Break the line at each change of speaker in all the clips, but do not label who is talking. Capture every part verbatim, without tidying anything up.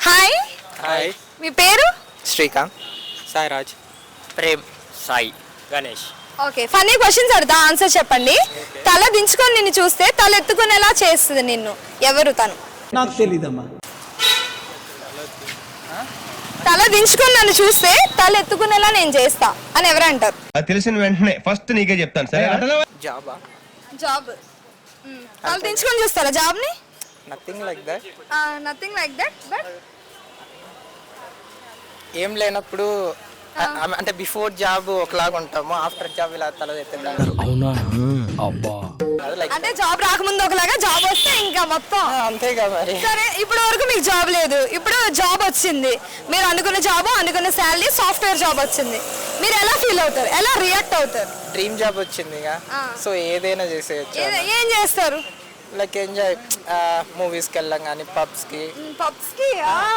Hi
hi
మీ పేరు?
Srikanth, Sairaj, Prem, Sai, Ganesh.
Okay, funny questions అడుగుతా, ఆన్సర్ చెప్పండి. తల దించుకొని నిన్ను చూస్తే తల ఎత్తుకునేలా చేస్తుంది నిన్ను, ఎవరు తను?
నాకు తెలీదమ్మా.
తల దించుకొని నన్ను చూస్తే తల ఎత్తుకునేలా నేను చేస్తా అని ఎవరు అంటారు?
అది తెలిసిన వెంటనే ఫస్ట్ నీకే చెప్తాను సరే.
జాబా?
జాబ్. తల దించుకొని చూస్తారా జాబ్ ని?
Nothing like that.
Nothing like that. But
ఏం లేనప్పుడు అ- అంటే బిఫోర్ జాబ్ ఒకలాగా ఉంటాము, ఆఫ్టర్ జాబ్ ఇలా తల ఎత్తుతారు.
అవునా? అబ్బా.
అంటే జాబ్ రాకముందు ఒకలాగా, జాబ్ వస్తే ఇంకా మొత్తం
అంతేగా మరి.
సరే, ఇప్పటి వరకు మీకు జాబ్ లేదు, ఇప్పుడు జాబ్ వచ్చింది, మీరు అనుకున్న జాబ్, అనుకున్న శాలరీ, సాఫ్ట్వేర్ జాబ్ వచ్చింది, మీరు ఎలా ఫీల్ అవుతారు, ఎలా రియాక్ట్ అవుతారు?
డ్రీమ్ జాబ్ వచ్చింది ఇక, సో ఏదైనా చేసేయచ్చు.
ఏ- ఏం చేస్తారు?
లైక్ ఎంజాయ్, మూవీస్కి వెళ్ళాం కానీ పబ్స్కి,
పబ్స్ కి.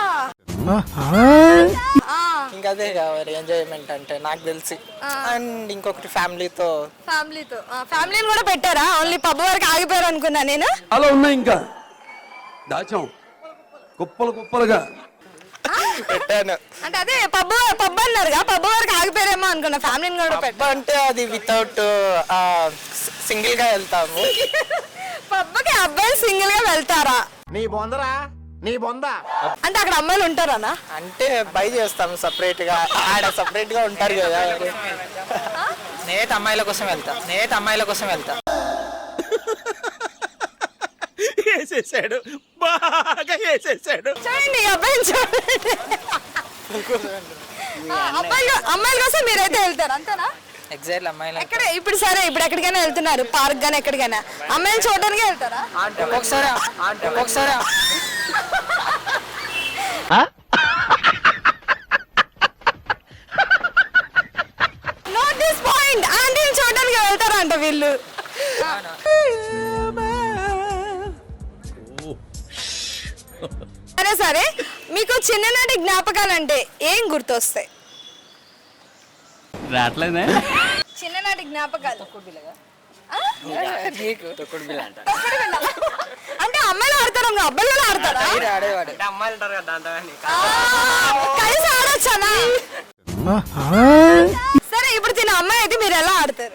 ఇంకా అదే కావాలి ఎంజాయ్మెంట్ అంటే నాకు తెలిసి. అండ్ ఇంకొకటి ఫ్యామిలీతో.
ఫ్యామిలీతో. ఫ్యామిలీని కూడా పెట్టారా? ఓన్లీ పబ్ వరకు ఆగిపోయారు అనుకున్నా నేను.
అలా ఉన్నాయి ఇంకా దాచాం కుప్పలు కుప్పలుగా.
పెట్టాను
అంటే అదే పబ్ పబ్ అన్నారుగా, పబ్ వరకు ఆగిపోయారేమో అనుకున్నా, ఫ్యామిలీని కూడా
పబ్
పెట్టారు.
అంటే అది వితౌట్ సింగిల్ గా వెళ్తాము.
పబ్కి అబ్బాయిలు సింగిల్ గా వెళ్తారా?
నీ బొందరా నీ బొంద.
అంటే అక్కడ అమ్మాయిలు ఉంటారనా?
అంటే బై చేస్తాము సపరేట్ గా, ఆడ సపరేట్ గా ఉంటారు కదా. నేత అమ్మాయిల కోసం వెళ్తా, నేత అమ్మాయిల కోసం వెళ్తా.
వేసేసాడు, బాగా వేసేసాడు.
చూడండి ఈ అబ్బాయిని చూడండి. ఆ, అబ్బాయిలు అమ్మాయిల కోసం మీరైతే వెళ్తారు అంతేనా?
ఎగ్జాక్ట్ అమ్మాయిల
ఎక్కడ ఇప్పుడు? సరే, ఇప్పుడు ఎక్కడికైనా వెళ్తున్నారు, పార్క్ గానీ ఎక్కడికైనా, అమ్మాయిని చూడడానికి వెళ్తారా?
ఒక్కొక్కసారి ఒక్కొక్కసారి
నోట్ దిస్ పాయింట్, ఆంటీని చూడడానికి వెళ్తారంట వీళ్ళు. సరే సరే, మీకు చిన్ననాటి జ్ఞాపకాలు అంటే ఏం గుర్తొస్తాయి?
రావట్లేదే.
చిన్ననాటి జ్ఞాపకాలు ఆ?
నీకు తొక్కుడు బిళ్ళ అంట.
తొక్కుడు బిళ్ళ. అంటే అమ్మాయిలు ఆడతారు, ఇంకా అబ్బాయిలు కూడా ఆడతారా?
ఆడేవాడు అమ్మాయిలు ఉంటారు కదా దాంతో.
ఆ, కలిసి ఆడొచ్చానా? సరే, ఇప్పుడు తిన అమ్మాయి అయితే మీరు ఎలా ఆడతారు?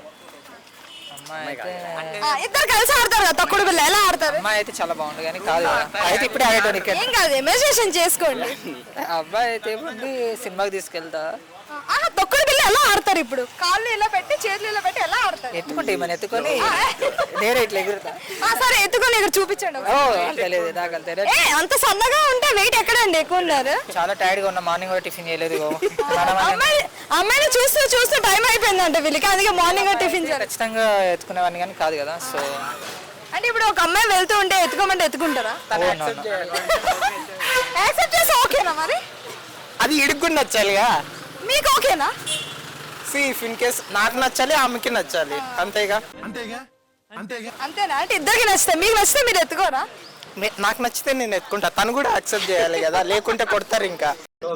ఆ, ఇద్దరు కలిసి ఆడతారు కదా తొక్కుడు బిళ్ళ, ఎలా ఆడతారు?
అమ్మాయి అయితే చాలా బాగుంది కానీ కాదు కదా. అయితే ఇప్పుడే ఆడేటోనికి.
ఏం కాదు, ఇమాజినేషన్ చేసుకోండి.
అబ్బాయి అయితే ముందు సినిమాకి తీసుకెళ్తా.
ఆహా, తొక్కుడు బిళ్ళ ఎలా ఆడతారు? ఇప్పుడు కాళ్ళు ఇలా పెట్టి, చేతులు ఇలా పెట్టి ఎలా ఆడతారు?
ఎత్తుకుంటే మన ఎత్తుకొని నేరే ఇట్లా ఎగురుతా.
ఆ, సరే, ఎత్తుకొని ఇక్కడ చూపించండి
ఓ
ఒకసారి.
తెలియదు నాకు తెలియదు.
ఏ, అంత సన్నగా ఉంటే వెయిట్ ఎక్కడండి ఎక్కువ ఉన్నారు?
చాలా టైర్డ్ గా ఉన్నా, మార్నింగ్ కూడా టిఫిన్ చేయలేదు ఇగో.
అమ్మాయి అమ్మాయిని చూస్తూ చూస్తూ టైం అయిపోయిందంట వీళ్ళకి, అందుకే మార్నింగ్ టిఫిన్ చేయాలి.
ఖచ్చితంగా ఎత్తుకునేవాడిని కానీ కాదు కదా. సో
అంటే ఇప్పుడు ఒక అమ్మాయి వెళ్తూ ఉంటే ఎత్తుకోమంటే ఎత్తుకుంటారా? యాక్సెప్ట్ చేసి ఓకేనా మరి?
అది ఇడుక్కుని నచ్చాలిగా.
మీకు ఓకేనా?
సి ఇఫ్ ఇన్ కేస్ నాకు నచ్చాలి, ఆమెకి నచ్చాలి, అంతేగా.
అంతేగా అంతేగా
అంతేనా? అంటే ఇద్దరికి నచ్చితే, మీకు నచ్చితే మీరు ఎత్తుకోరా?
నే- నాకు నచ్చితే నేను ఎత్తుకుంటా, తను కూడా యాక్సెప్ట్ చేయాలి కదా, లేకుంటే కొడతారు ఇంకా.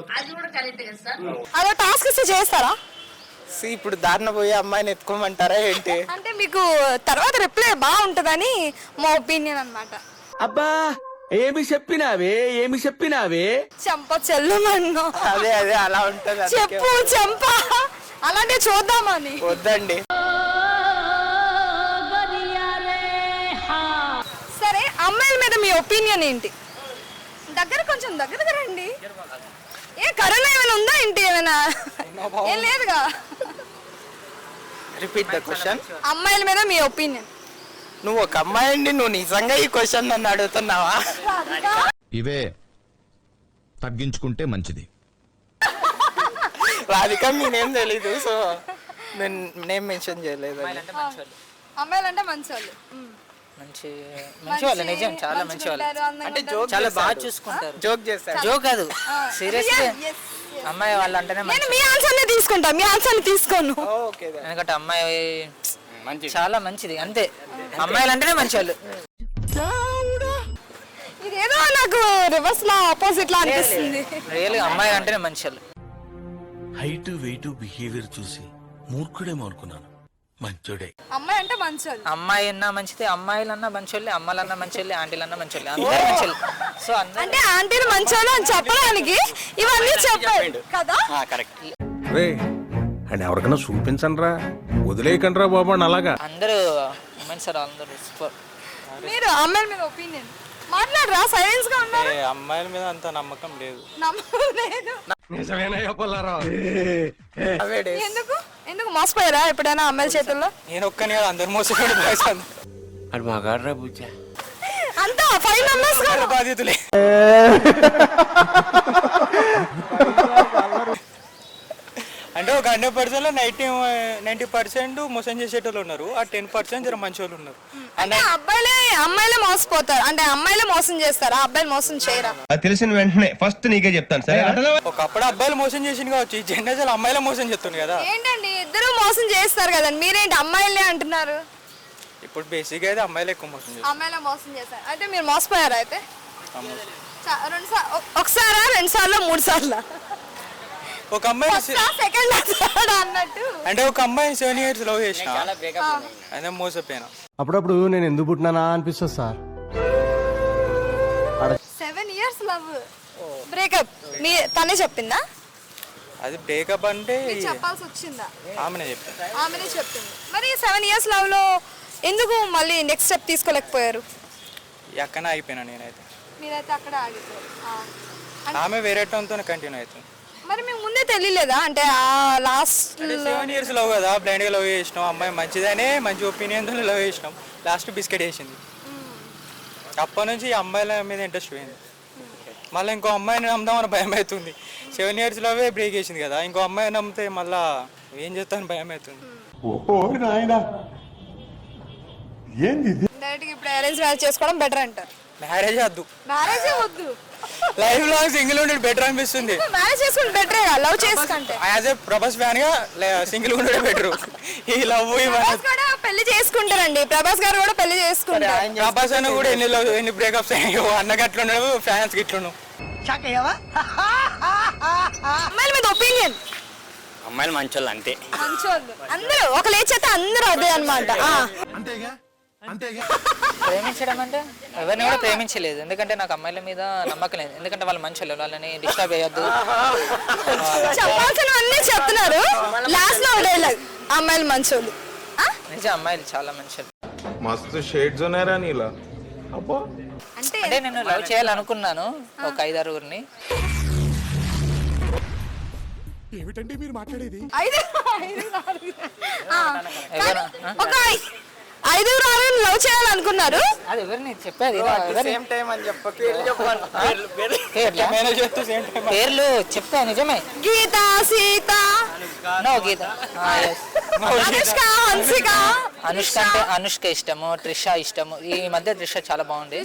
అదో టాస్క్ ఇస్తే చేస్తారా?
సి ఇప్పుడు దారిన పోయి అమ్మాయిని ఎత్తుకోమంటారా ఏంటి?
అంటే మీకు తర్వాత రిప్లై బాగుంటుందని మా ఒపీనియన్ అన్నమాట.
అబ్బా ఏమి చెప్పినావే ఏమి చెప్పినావే.
చెంప చెల్లుమన్ను,
అదే అదే అలా ఉంటది. అందుకే
చెప్పు చెంప, అలాంటివి చూద్దామని.
వద్దండి.
సరే, అమ్మాయిల మీద మీ ఒపీనియన్ ఏంటి? దగ్గర కొంచెం దగ్గరగా రండి. ఏ కరోనా ఏమైనా ఉందా ఏంటి? ఏమైనా ఏం లేదుగా.
Repeat the question.
అమ్మాయిల మీద మీ ఒపీనియన్.
నువ్వు ఒక అమ్మాయి అండి, నువ్వు నిజంగా ఈ క్వశ్చన్ నన్ను అడుగుతున్నావా?
ఇవే తగ్గించుకుంటే మంచిది.
రాధిక నేనేం తెలీదు, సో నేను నేమ్ మెన్షన్ చేయలేదు.
అమ్మాయిలు అంటే మంచి వాళ్ళు.
మంచి మంచి వాళ్ళు, నిజం చాలా మంచి వాళ్ళు. అంటే జోక్ చాలా బాగా చూసుకుంటారు. జోక్ చేస్తారు, జోక్ కాదు, సీరియస్లీ. అమ్మాయి వాళ్ళు అంటేనే
నేను మీ ఆన్సర్ తీసుకుంటా, మీ ఆన్సర్ తీసుకోను.
ఓకే. ఎందుకంటే అమ్మాయి చాలా మంచిది, అంతే. అమ్మాయిలు అంటేనే మంచి వాళ్ళు.
ఇదేదో నాకు రివర్స్ లా ఆపోజిట్ లా అనిపిస్తుంది.
రియల్ అమ్మాయిలు అంటేనే మంచి వాళ్ళు.
హైట్ వెయిట్ బిహేవియర్ చూసి మూర్ఖుడేమో అనుకున్నాను,
మంచోడే.
అమ్మాయి అంటే మంచోళ్ళు.
అమ్మాయి అన్నా మంచిదే, అమ్మాయిలన్నా మంచోళ్ళే, అమ్మాలన్నా మంచోళ్ళే, ఆంటీలన్నా మంచోళ్ళే, అందరూ మంచోళ్ళు. సో అందరూ
అంటే ఆంటీలు మంచోళ్ళు అని చెప్పడానికి ఇవన్నీ చెప్పాడు కదా.
రే అండ్ ఎవరికైనా చూపించండి రా, వదిలేయకండి రా బాబు అని అలాగా.
అందరూ ఉమెన్స్ సార్ అందరూ సూపర్.
మీరు అమ్మాయిల మీద ఒపీనియన్ మాట్లాడరా, సైలెన్స్ గా ఉన్నారు.
అమ్మాయిల మీద అంత నమ్మకం లేదు.
నమ్మకం లేదు.
నిజమేనా చెప్పాలరా?
ఎందుకు ఎందుకు మోసపోయారా ఎప్పుడైనా అమ్మాయిల చేతుల్లో?
నేను ఒక్కని కాదు, అందరు మోసపోయాడు బాయ్స్
అది మగాడ్రా బుజ్జ.
అంతా ఫైవ్ మెంబర్స్
బాధ్యతలే. అంటే ఒక హండ్రెడ్ పర్సెంట్ లో నైన్టీ నైన్టీ పర్సెంట్ మోసం చేసేటోళ్ళు ఉన్నారు, ఆ టెన్ పర్సెంట్ జర మంచి వాళ్ళు ఉన్నారు.
అంటే అబ్బాయిలే అమ్మాయిలే మోసపోతారు, అంటే అమ్మాయిలే మోసం చేస్తారా, అబ్బాయిలు మోసం చేయరా?
అది తెలిసిన వెంటనే ఫస్ట్ నీకే చెప్తాను సరే.
ఒకప్పుడు అబ్బాయిలు మోసం చేసింది కావచ్చు, ఈ జనరేషన్ అమ్మాయిలే మోసం చేస్తుంది కదా.
ఏంటండి ఇద్దరు మోసం చేస్తారు కదండి, మీరేంటి అమ్మాయిలే అంటున్నారు?
ఇప్పుడు బేసిక్ అయితే అమ్మాయిలు ఎక్కువ మోసం చేస్తారు.
అమ్మాయిలే మోసం చేస్తారు. అయితే మీరు మోసపోయారా? అయితే చ- రెండు సార్ ఒకసారా రెండు సార్లు మూడు సార్లు
ఒక అమ్మాయి
సెకండ్ అన్నట్టు.
అంటే ఒక అమ్మాయి సెవెన్ ఇయర్స్ లవ్ చేసిన అదే మోసపోయినా.
అప్పుడప్పుడు నేను ఎందుకు పుట్టినానా అనిపిస్తుంది sir.
Seven years love breakup మీ తనే చెప్పిందా?
అది బ్రేకప్ అంటే
మీరు చెప్పాల్సి వచ్చిందా?
ఆమెనే చెప్పింది.
ఆమెనే చెప్పింది. మరి సెవెన్ ఇయర్స్ లవ్ లో ఎందుకు మళ్ళీ నెక్స్ట్ స్టెప్ తీసుకోలేకపోయారు?
ఎక్కన అయిపోయినా నేనైతే.
మీరైతే అక్కడ ఆగిపోయారు. ఆ.
ఆమె వేరే టోన్తో కంటిన్యూ అవుతుంది.
మరి మీకు ముందే తెలియలేదా? అంటే ఆ లాస్ట్
సెవెన్ ఇయర్స్ లవ్ కదా, బ్లైండ్ గా లవ్ చేసినాం, అమ్మాయి మంచిదనే మంచి ఒపీనియన్ తో లవ్ చేసినాం, లాస్ట్ బిస్కెట్ వేసింది. అప్పటి నుంచి ఈ అమ్మాయిల మీద ఇంట్రెస్ట్ పోయింది. మళ్ళీ ఇంకో అమ్మాయిని నమ్ముదామని భయం అవుతుంది. సెవెన్ ఇయర్స్ లవే బ్రేక్ చేసింది కదా, ఇంకో అమ్మాయి నమ్మితే మళ్ళా ఏం చేస్తాను భయం అవుతుంది.
డైరెక్ట్ ఇప్పుడు అరేంజ్ మ్యారేజ్ చేసుకోవడం బెటర్ అంటారు.
మ్యారేజ్ వద్దు,
మ్యారేజ్ వద్దు,
లైఫ్ లాంగ్ సింగిల్ ఉండేది బెటర్ అనిపిస్తుంది.
మ్యారేజ్ చేసుకుంటే బెటరే లవ్ చేసుకుంటే.
యాజ్ ఏ ప్రభాస్ ఫ్యాన్ గా సింగిల్ ఉండేది బెటర్. ఈ లవ్
ప్రభాస్ కూడా పెళ్లి చేసుకుంటారండి, ప్రభాస్ గారు కూడా పెళ్లి చేసుకుంటారు.
ప్రభాస్ అన్న కూడా ఎన్ని లవ్ ఎన్ని బ్రేకప్స్ అయ్యాయో, అన్నకి అట్లున్నాడు, ఫ్యాన్స్ కి ఇట్లున్నావు.
అమ్మాయిల మీద ఒపీనియన్.
అమ్మాయిలు మంచోళ్ళు అంతే.
మంచోళ్ళు అందరూ ఒక లేచేస్తే అందరూ అదే అనమాట.
అంతేగా అంతేగా.
ప్రేమించడం అంటే ఎవరిని కూడా ప్రేమించలేదు, ఎందుకంటే నాకు అమ్మాయిల మీద నమ్మకం లేదు, ఎందుకంటే వాళ్ళు మంచోళ్ళు, వాళ్ళని డిస్టర్బ్ అయ్యొద్దు.
చెప్పాల్సిన అన్నీ చెప్తున్నారు, లాస్ట్ లో డైలాగ్ అమ్మాయిలు మంచోళ్ళు.
నిజం, అమ్మాయిలు చాలా మంచోళ్ళు.
మస్తు షేడ్స్ ఉన్నారా నీలా? అబ్బా
అంటే
అంటే నేను లవ్ చేయాలనుకున్నాను ఒక ఐదారుగురిని.
ఏమిటండి మీరు మాట్లాడేది?
ఐదు ఐదు ఆరుగురు. ఆ,
ఎవరు?
ఒక ఐదుగురు ఆరుగురు లవ్ చేయాలనుకున్నారు.
అది ఎవరిని చెప్పేది?
సేమ్ టైం అని చెప్పి
పేర్లు చెప్తా నిజమే.
గీత, సీత,
నో గీత,
అనుష్క, హన్సిక.
అనుష్క అంటే అనుష్క ఇష్టము, త్రిష ఇష్టము. ఈ మధ్య త్రిష చాలా బాగుంది.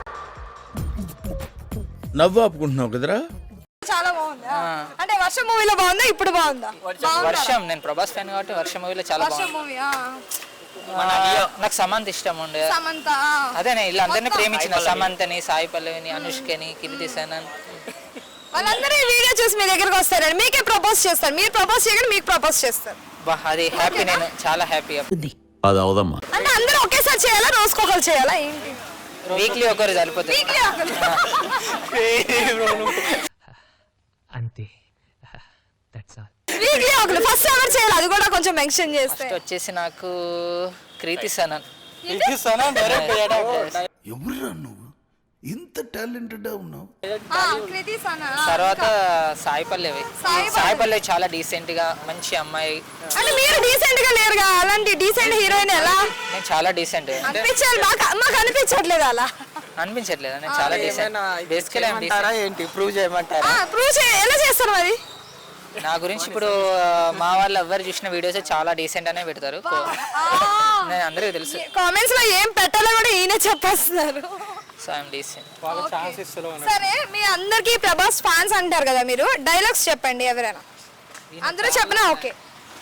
నవ్వు ఆపుకుంటున్నావు కదరా?
చాలా బాగుంది. అంటే వర్షం మూవీలో బాగుందా, ఇప్పుడు బాగుందా?
వర్షం, నేను ప్రభాస్ ఫ్యాన్ కాబట్టి వర్షం మూవీలో చాలా
వర్షం
బాగుంది.
మూవీ.
నాకు సమంత ఇష్టం ఉండే.
సమంత.
అదే నేను ఇలా అందరినీ ప్రేమించిన, సమంతని, సాయి పల్లవిని, అనుష్కని, కీర్తి సనన్.
వాళ్ళందరూ ఈ వీడియో చూసి మీ దగ్గరకు వస్తారండి, మీకే ప్రపోజ్ చేస్తారు, మీరు ప్రపోజ్ చేయగానే మీకు ప్రపోజ్ చేస్తారు.
బా అది హ్యాపీ, నేను చాలా హ్యాపీ.
అది అవదమ్మా.
అంటే అందరూ ఒకేసారి చేయాలా, రోజుకొకరు చేయాలా ఏంటి?
వీక్లీ ఒకరు సరిపోతుంది.
వీక్లీ ఒకరు.
అంతే, దట్స్ ఆల్.
వీక్లీ ఒకరు ఫస్ట్ ఎవరు చేయాలి అది కూడా కొంచెం మెన్షన్ చేస్తే.
ఫస్ట్ వచ్చేసి నాకు కీర్తి సనన్.
ఎవరురా నువ్వు ఇంత టాలెంటెడ్ ఉన్నావు?
ఆ, కృతి సనా.
తర్వాత సాయి పల్లవి.
సాయి
సాయి పల్లవి చాలా డీసెంట్ గా మంచి అమ్మాయి.
అంటే మీరు డీసెంట్ గా లేరుగా, అలాంటి డీసెంట్ హీరోయిన్ ఎలా
నేను చాలా డీసెంట్
అనిపించాలి? మాకు మాకు అనిపించట్లేదు అలా.
అనిపించట్లేదు, నేను చాలా డీసెంట్. బేసికలీ
ఏంటి ప్రూవ్ చేయమంటారా?
ప్రూవ్ చే ఎలా చేస్తారు మరి?
నా గురించి ఇప్పుడు మా వాళ్ళు ఎవరు చూసిన వీడియోస్ చాలా డీసెంట్ అనే పెడతారు, నేను అందరికీ తెలుసు.
కామెంట్స్ లో ఏం పెట్టాలో కూడా ఈయన చెప్పేస్తున్నారు.
So I'm decent.
సరే, మీ అందరికి ప్రభాస్ ఫ్యాన్స్ అంటారు కదా, మీరు డైలాగ్స్ చెప్పండి ఎవరైనా. అందరూ చెప్పినా ఓకే.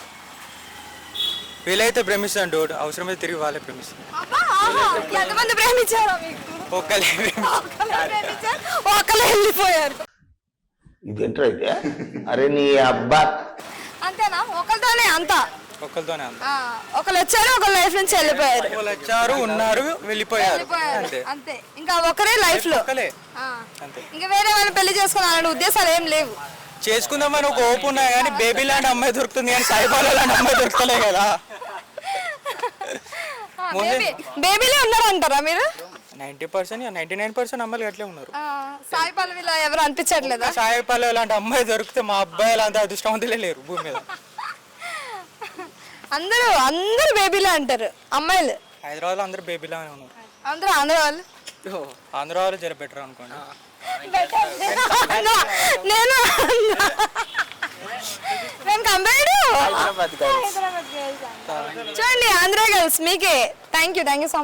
వీలైతే ప్రేమిస్తాను డోడ్, అవసరమైతే తిరిగి వాళ్ళే ప్రేమిస్తాను.
ఎంతమంది ప్రేమించారా మీకు?
ఒక్కలే
ప్రేమించారు, ఒక్కలే వెళ్ళిపోయారు.
ఇదేంటో అయితే అరే నీ అబ్బా
అంతేనా? ఒకరితోనే అంతా
ఒక్కరితోనే అంత
ఆ, ఒకళ్ళు వచ్చారు ఒకళ్ళు లైఫ్ నుంచి వెళ్ళిపోయారు
వాళ్ళు వచ్చారు ఉన్నారు వెళ్ళిపోయారు
వెళ్ళిపోయారు
అంతే
అంతే ఇంకా ఒకరే లైఫ్ లో
ఒక్కలే
ఆ.
అంతే
ఇంకా వేరే వాళ్ళని పెళ్లి చేసుకోవాలనే ఉద్దేశాలు ఏం లేవు
చేసుకుందామని ఒక ఓపు ఉన్నాయి కానీ బేబీ లాంటి అమ్మాయి దొరుకుతుంది కానీ సాయిబాబా లాంటి అమ్మాయి దొరకలే కదా
బేబీ బేబీలే ఉన్నారంటారా మీరు
ninety percent ninety nine percent అమ్మాయిలు అట్లే ఉన్నారు
ఆ, సాయి పల్లవిలో ఎవరు అనిపించట్లేదా
సాయి పల్లె లాంటి అమ్మాయి దొరికితే మా అబ్బాయిలు అంత అదృష్టవంతులే లేరు భూమి మీద
అందరూ అందరూ బేబీలే అంటారు అమ్మాయిలు
హైదరాబాద్లో అందరూ బేబీ లాగానే ఉన్నారు
అందరూ ఆంధ్ర వాళ్ళు
ఆంధ్ర వాళ్ళు జర బెటర్ అనుకోండి
నేను నేను కంపేర్డ్ చూడండి ఆంధ్ర గర్ల్స్ మీకే thank you thank you so much